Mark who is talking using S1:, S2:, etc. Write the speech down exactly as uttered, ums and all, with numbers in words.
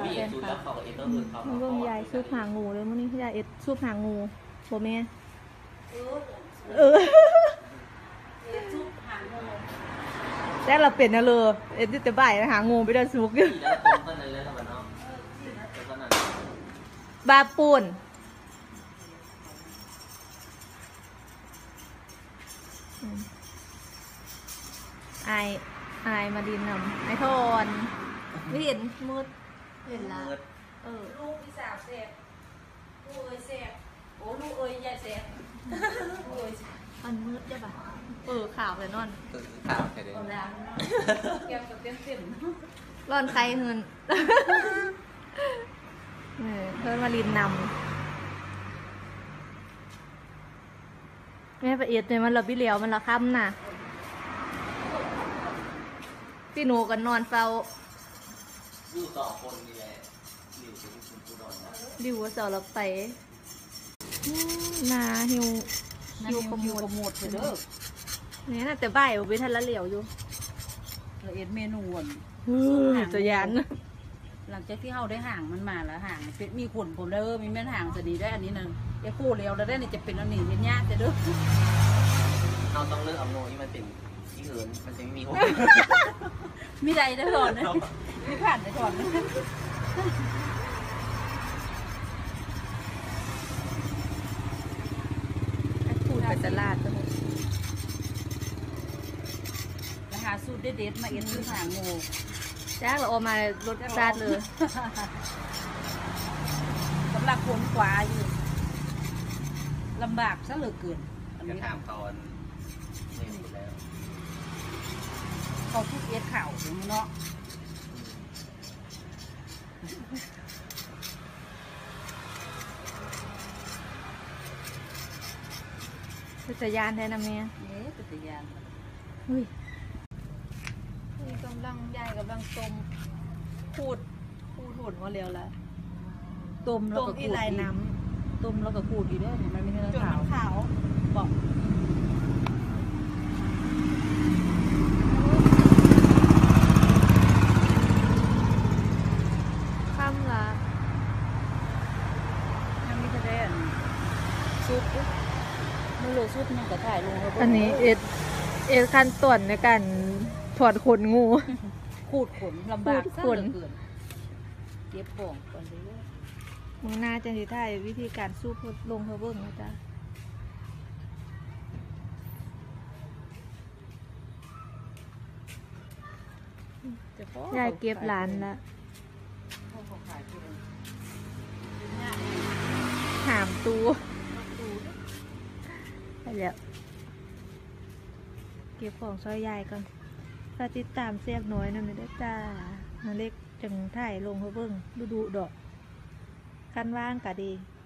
S1: แฟนคลับมันเบิ่งยายซุปหางงูเลยมื้อนี้ยายเอ็ดซุปหางงูบ่แม่เออแต่เราเป็นนะเลยเอ็ดจะบ่ายหางูไปได้สุกอยู่บาปูนไอไอมาดินนำไอทอนไม่เห็นมืดเห็นละเออลูกพี่สาวเสพลูกเอ้ยเสพโอ้ลูกเอ้ยยายเสพลูกเอ้ยมันมืดใช่ปะเออข่าวเลยนอน
S2: เออข่าวแค่เดียว
S1: แก้วกับเต็มเต็มร้อนใครเงินเออเพิ่นมาลินนำแม่ประเอียดเนี่ยมันเราพี่เหลียวมันละค่ำน่ะพี่หนูกันนอนเฝ้า
S2: อยู่ต่อคนนี่แหละหลิวเป็นคุณผู้นอนนะ
S1: หลิวว่าเสาเราไปนาหิวหิวขโมด
S3: ขโมดเด้อ
S1: เนี่ยน่ะแต่บ่ายไปทันละเหลียวอยู่
S3: ละเอ็ดเมนูอ่ะ
S1: จะยัน
S3: หลังจากที่เขาได้ห่างมันมาแล้วห่างเป็นมีขนผมเด้อมีแม่นห่างจะดีได้อันนี้นึงไอ้คู่เลี้ยวแล้วได้เนี่ยจะเป็นอันนี้เป็นยากจะเด้อ
S2: เราต้องเลือกเอาโน่ที่มันเป็นที่เหินมันจะไม่มีหัว
S3: มีใดได้ก่อนนะมีผ่านได้ก่อนนะ
S1: พูดไปตลาดก็
S3: ราคาสูตรเด็ดๆมาเอ็นคือหางงู
S1: จ้าเราเอามารถซาดเลย
S3: สำหรับคนกว่าอยู่ลำบากซะเหลือเกิน
S2: จะถามตอนไม่หมดแล้ว
S3: เขาทุกเอ็ดข่าวถึงเนาะ
S1: จักรยานแทนนะเมีย
S3: เอ๊ะจักรยาน
S1: อุ้ยนี่กำลังยายกำลังต้มพูดพูดหุ่นว่าเร็วแล้ว
S3: ต้มแล้วก็ขูด
S1: น้
S3: ำต้มแล้วก็ขูดอีกด้วยมันไม่ใช่
S1: ขาวขาว
S3: บอก
S1: ข้ามละ
S3: ยังไม่ได้ซุปมันเหลือซุปมันก็ถ่ายลงแล้ว
S1: อันนี้เอ็ดเอ็ดขั้นตอนในการถอดขนงู
S3: ขูดขนลำบากขนเก็บของก่อนเลย
S1: มึงน่าจะที่ถ่ายวิธีการสู้ลงเพื่อเบิ้งนะจ๊ะยายเก็บหลานละหามตูไปแล้วเก็บของซอยยายก่อนฝากติดตามเสียบน้อยนะไม่ได้จ้านาเล็กจังถ่ายลงเพื่อเบิ้งดูดูดอกคันว่างกะดี